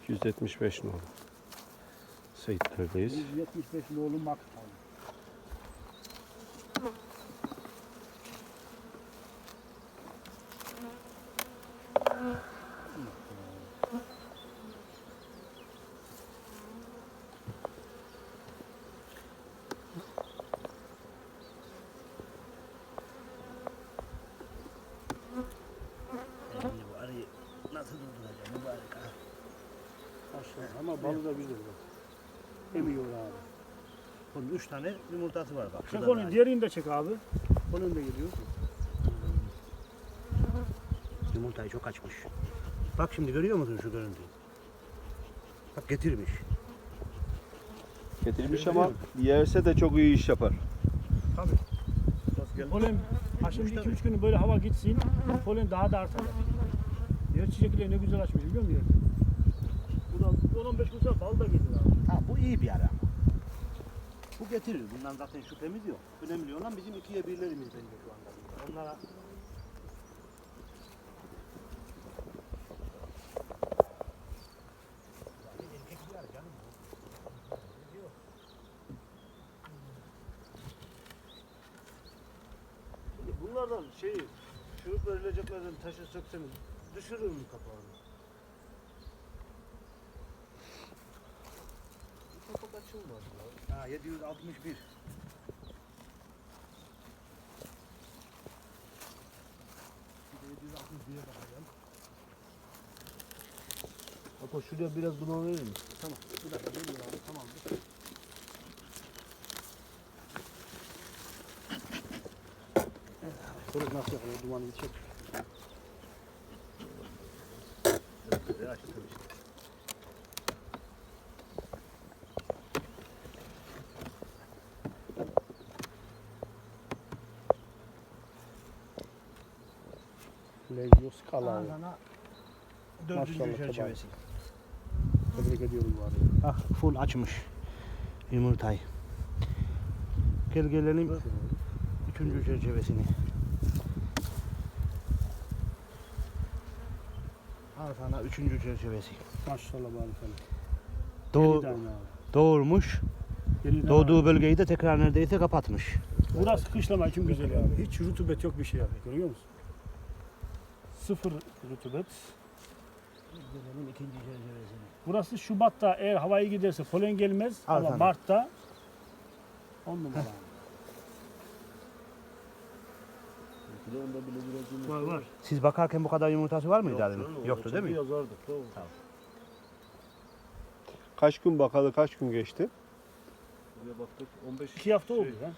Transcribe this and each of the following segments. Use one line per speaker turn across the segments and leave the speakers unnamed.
275 nolu. Seyitler'deyiz.
175 nolu Maktal.
Nasıl durduracağım mübarek ha?
Aşağı ama balı da güzel bak. Emiyor abi.
Bunun 3 tane yumurtası var bak.
Çek
şurada
onu,
da.
diğerini de çek abi. Onun da geliyor.
Yumurtayı çok açmış. Bak şimdi görüyor musun şu görüntüyü? Bak getirmiş.
Getirmiş ama yerse de çok iyi iş yapar.
Tabii.
Polen, ha şimdi 2-3 gün böyle hava gitsin, polen daha da artar. Diğer çiçekler ne güzel açmış biliyor musun? Bu da 10-15 gün sonra bal da gelir abi.
Ha bu iyi bir ara ama. Bu getirir. Bundan zaten şüphemiz yok. Önemli olan bizim 2'ye 1'lerimiz bence şu anda. Onlara
Bunlardan şurup verileceklerden taşı sökseniz düşürür mü kapağını? Bu kapak açılmaz ya.
ha 761.
Hatta şuraya biraz duman verir mi?
Tamam. Bir dakika geliyor abi. Tamamdır. Şöyle nasıl yapıyor? Dumanı bir çek. Legios Kalav.
Ağzına 4.
Maşallah,
çerçevesi.
Tebrik ediyorum bu arada.
Ah full açmış yumurtayı. Gel gelelim 3. çerçevesini. Al sana 3. çerçevesi.
Maşallah bari sana.
Doğ
Yedi tane abi.
doğurmuş.
Yedi tane
Doğduğu
abi.
bölgeyi de tekrar neredeyse kapatmış.
Burası kışlama için güzel abi. Hiç rutubet yok bir şey abi. Görüyor musun? Sıfır rutubet.
Gelelim 2. çerçevesine.
Burası Şubat'ta eğer havaya giderse polen gelmez
Al
ama
sana.
Mart'ta 10 numara. Var var.
Siz bakarken bu kadar yumurtası var mıydı adamın? Yoktu değil mi?
Yazardı. Tamam.
Kaç gün bakalı kaç gün geçti?
Buraya baktık 15
2 hafta oldu ya.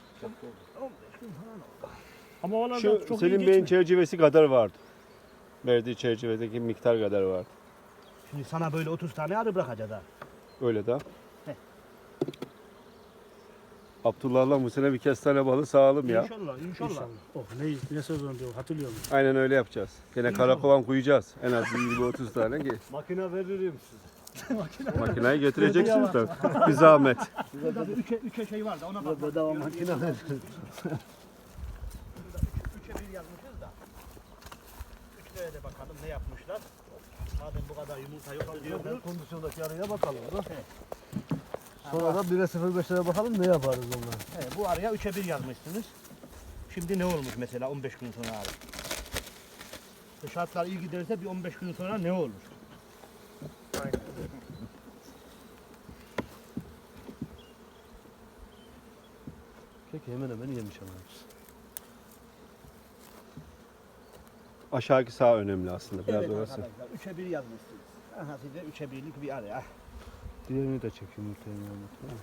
Ama oralarda
Şu
çok iyi
Selim Bey'in
geçmiyor.
çerçevesi kadar vardı. Verdiği çerçevedeki miktar kadar vardı.
Şimdi sana böyle 30 tane arı bırakacağız ha.
Öyle de.
Heh.
Abdullah'la bu sene bir kestane balı sağalım ya.
İnşallah, inşallah.
İnşallah. Oh ne sezon diyor hatırlıyor musun?
Aynen öyle yapacağız. Gene karakovan koyacağız. En az 20-30 tane ki.
makine veririm size.
Makineyi getireceksiniz de. Bir zahmet.
Burada bir üçe şey var da ona bak.
Bedava makine veririm.
3'e 1 yazmışız da. 3'lere de bakalım ne yapmışlar. Madem bu kadar yumurta yok diyor.
Ben kondisyondaki araya bakalım da. Sonra da 1'e 0.5'lere bakalım ne yaparız onlara.
Bu araya 3'e 1 yazmışsınız. Şimdi ne olmuş mesela 15 gün sonra abi? Şartlar iyi giderse bir 15 gün sonra ne olur?
Peki hemen hemen yemiş ama.
Aşağıki sağ önemli aslında. Biraz
Evet
orası.
arkadaşlar 3'e 1 yazmışsınız. Aha size 3'e 1'lik bir araya.
Diğerini de çek yumurtayı Mehmet.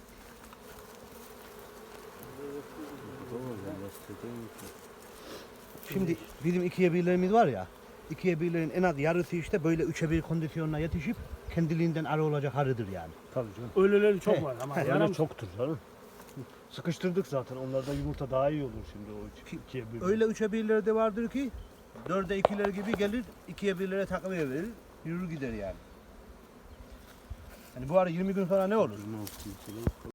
Şimdi bizim 2'ye 1'lerimiz var ya. 2'ye 1'lerin en az yarısı işte böyle 3'e 1 kondisyonuna yetişip kendiliğinden arı olacak arıdır yani.
Tabii canım.
Öyleleri çok
He,
var ama
he,
Öyle
yaram
çoktur canım. Sıkıştırdık zaten. Onlarda yumurta daha iyi olur şimdi o ikiye bir.
Öyle 3'e 1'ler de vardır ki 4'e 2'ler gibi gelir 2'ye 1'lere takviye verir yürür gider yani. Hani bu arı 20 gün sonra ne olur?
Ne olsun mesela.